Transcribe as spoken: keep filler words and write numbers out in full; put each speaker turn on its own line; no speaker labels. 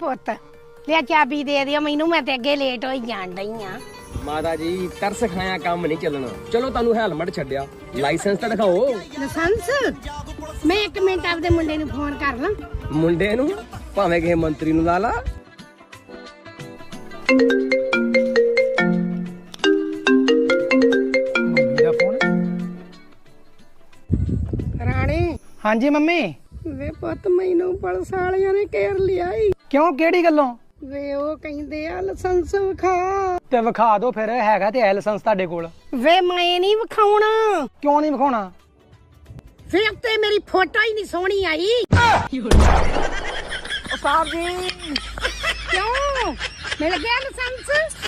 ਪੁੱਤ ਲਿਆ ਚਾਬੀ ਦੇ ਦਿਓ ਮੈਨੂੰ, ਮੈਂ ਤੇ ਅੱਗੇ ਲੇਟ ਹੋਈ ਜਾਣ ਡਈ ਆ।
ਮਾਤਾ ਜੀ ਤਰਸ ਖਾਇਆ ਕੰਮ ਨਹੀਂ ਚੱਲਣਾ। ਚਲੋ ਤੁਹਾਨੂੰ ਹੈਲਮਟ ਛੱਡਿਆ, ਲਾਇਸੈਂਸ ਤਾਂ ਦਿਖਾਓ।
ਲਾਇਸੈਂਸ? ਮੈਂ ਇੱਕ ਮਿੰਟ ਆਪਦੇ ਮੁੰਡੇ ਨੂੰ ਫੋਨ ਕਰ ਲਾਂ।
ਮੁੰਡੇ ਨੂੰ? ਭਾਵੇਂ ਕਿਸੇ ਮੰਤਰੀ ਨੂੰ ਲਾ ਲਾ।
ਮੰਮੀ ਦਾ ਫੋਨ।
ਰਾਣੀ।
ਹਾਂਜੀ ਮੰਮੀ।
ਵੇ ਪੁੱਤ ਮੈਨੂੰ ਪੁਲਿਸ ਵਾਲਿਆਂ ਨੇ ਘੇਰ ਲਿਆ ਈ।
ਕਿਉਂ, ਕਿਹੜੀ ਗੱਲੋਂ?
ਵੇ ਉਹ ਕਹਿੰਦੇ ਆ ਲਾਇਸੈਂਸ ਵਿਖਾ।
ਤੇ ਵਿਖਾ ਦਿਓ ਫਿਰ, ਹੈਗਾ ਤੇ ਹੈ ਲਾਇਸੈਂਸ ਤੁਹਾਡੇ ਕੋਲ।
ਵੇ ਮੈਂ ਨਹੀਂ ਵਿਖਾਉਣਾ।
ਕਿਉਂ ਨਹੀਂ ਵਿਖਾਉਣਾ?
ਵੇ ਉੱਤੇ ਮੇਰੀ ਫੋਟੋ ਹੀ ਨਹੀਂ ਸੋਹਣੀ ਆਈ।
ਸਾਹਿਬ ਜੀ
ਕਿਉਂ ਮਿਲ ਗਿਆ ਲਾਇਸੈਂਸ?